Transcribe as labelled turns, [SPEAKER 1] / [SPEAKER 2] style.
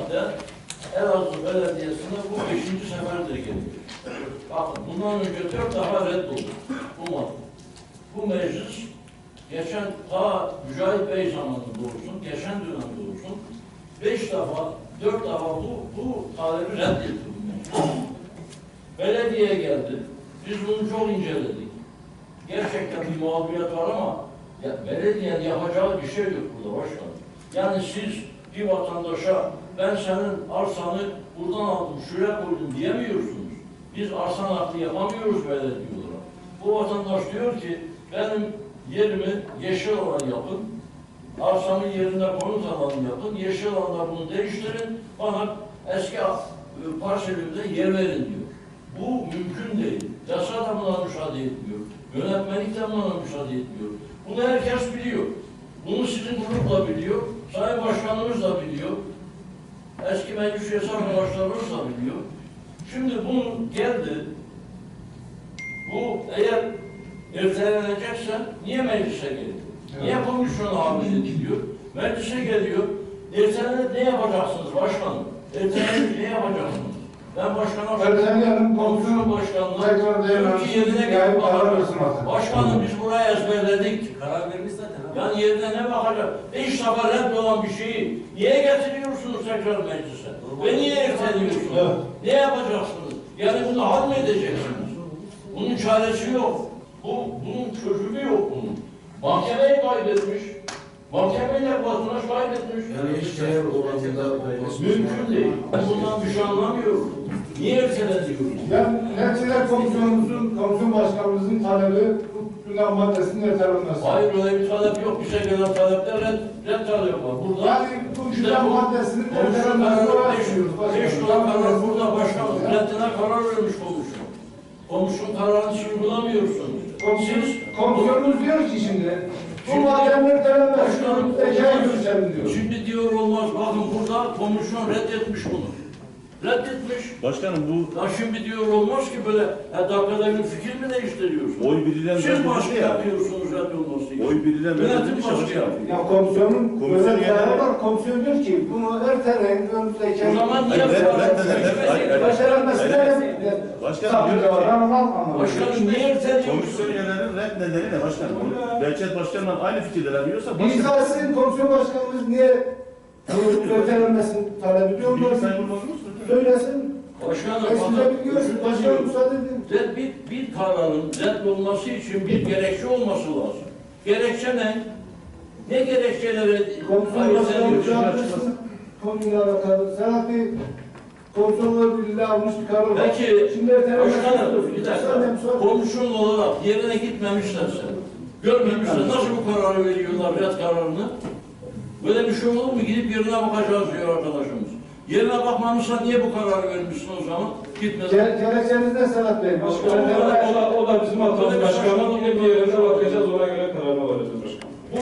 [SPEAKER 1] madde Elazığ Belediyesi'ne bu 5. seferdir geliyor. Bakın bundan önce 4 defa reddoldu bu madde. Bu meclis geçen ta Mücahit Bey zamanında olsun, geçen dönemde olsun 5 defa, 4 defa bu talebi reddetti bu meclis. Belediye geldi. Biz bunu çok inceledik. Gerçekten bir muhabbet var ama belediyenin yapacağı bir şey yok burada başkanım. Yani siz bir vatandaşa ben senin arsanı buradan aldım, şuraya koydum diyemiyorsunuz. Biz arsan hakkı yapamıyoruz belediye olarak. Bu vatandaş diyor ki benim yerimi yeşil alan yapın, arsamın yerine konut alanı yapın, yeşil alanda bunu değiştirin, bana eski parselimde yer verin diyor. Bu mümkün değil. Yasa da buna müsaade etmiyor. Yönetmelik de buna müsaade etmiyor. Bunu herkes biliyor. Bunu sizin grup da biliyor. Sayın Başkanımız da biliyor. Eski meclis üyesi arkadaşlarımız da biliyor. Şimdi bunu geldi. Bu eğer ertelenecekse niye meclise geliyor? Evet. Niye komisyona hamle ediliyor? Meclise geliyor. Ertelenip ne yapacaksınız başkanım? Ertelenip ne yapacaksınız? Ben başkanım, komisyon başkanına diyor ki yerine gelip bakacağız. Başkanım biz buraya ezberledik.
[SPEAKER 2] Karar vermiş zaten.
[SPEAKER 1] Yani yerine ne bakacak? 5 defa red olan bir şeyi niye getiriyorsunuz tekrar meclise? Ve niye erteliyorsunuz? Evet. Ne yapacaksınız? Yani bunu hal mı edeceksiniz? Bunun çaresi yok. Bunun çözümü yok bunun. Mahkemeyi kaybetmiş. Mahkemeyle vatandaş kaybetmiş.
[SPEAKER 3] Yani hiç değer oranında
[SPEAKER 1] mümkün değil. Ben bundan bir şey anlamıyorum. Niye erteleniyoruz?
[SPEAKER 4] Yani Neticede komisyon başkanımızın talebi bu gündem maddesinin ertelenmesi.
[SPEAKER 1] Hayır öyle bir talep yok. Bize gelen talepte red talep var. Burada
[SPEAKER 4] yani bu gündem maddesinin ertelenmesine uğraşıyoruz.
[SPEAKER 1] 5 dolar karar burada başkanım. Reddine karar vermiş komisyon. Komisyon kararını siz uygulamıyorsunuz.
[SPEAKER 4] Komisyonumuz diyor ki şimdi bu maddenin ertelenmesi tekrar görüşelim diyor.
[SPEAKER 1] Şimdi diyor olmaz. Bakın burada komisyon reddetmiş bunu. Reddetmiş.
[SPEAKER 5] Başkanım bu...
[SPEAKER 1] Ya şimdi diyor olmaz ki böyle dakikada bir fikir mi değiştiriyorsunuz?
[SPEAKER 5] Oy birilen...
[SPEAKER 1] Siz baskı yapıyorsunuz reddolması için.
[SPEAKER 5] Oy birilen...
[SPEAKER 1] Yönetim baskı yapıyor.
[SPEAKER 4] Ya komisyonun böyle bir kararı var. Komisyon diyor ki bunu erteleyin önümüzdeki...
[SPEAKER 1] O zaman niye
[SPEAKER 4] başaranmasına
[SPEAKER 5] Başkanım
[SPEAKER 1] niye erteliyorsunuz?
[SPEAKER 5] komisyon üyelerinin red nedeni ne başkanım? Belçet başkanla aynı fikirdeler diyorsa...
[SPEAKER 4] İzahsın komisyon başkanımız niye ertelenmesini talep ediyor? Söylesin. Başkanım müsaade edin.
[SPEAKER 1] Bir kararın reddolması için bir gerekçe olması lazım. Gerekçe ne? Ne gerekçeleri
[SPEAKER 4] komisyon başkanımız konuyla alakalı. Serhat Bey komisyonlar birliği almış bir karar var.
[SPEAKER 1] Peki,
[SPEAKER 4] şimdi
[SPEAKER 1] başkanım bir dakika. Komisyon olarak yerine gitmemişlerse, görmemişler nasıl bu kararı veriyorlar, red kararını? Böyle bir şey olur mu? Gidip yerine bakacağız diyor arkadaşımız. Yerine bakmamışsa niye bu kararı vermişsin o zaman? Gitmeden.
[SPEAKER 4] Gerekçeniz ne Serhat Bey?
[SPEAKER 6] O da bizim hatamız başkanım. Gidip yerine bakacağız, ona göre kararına varacağız başkanım.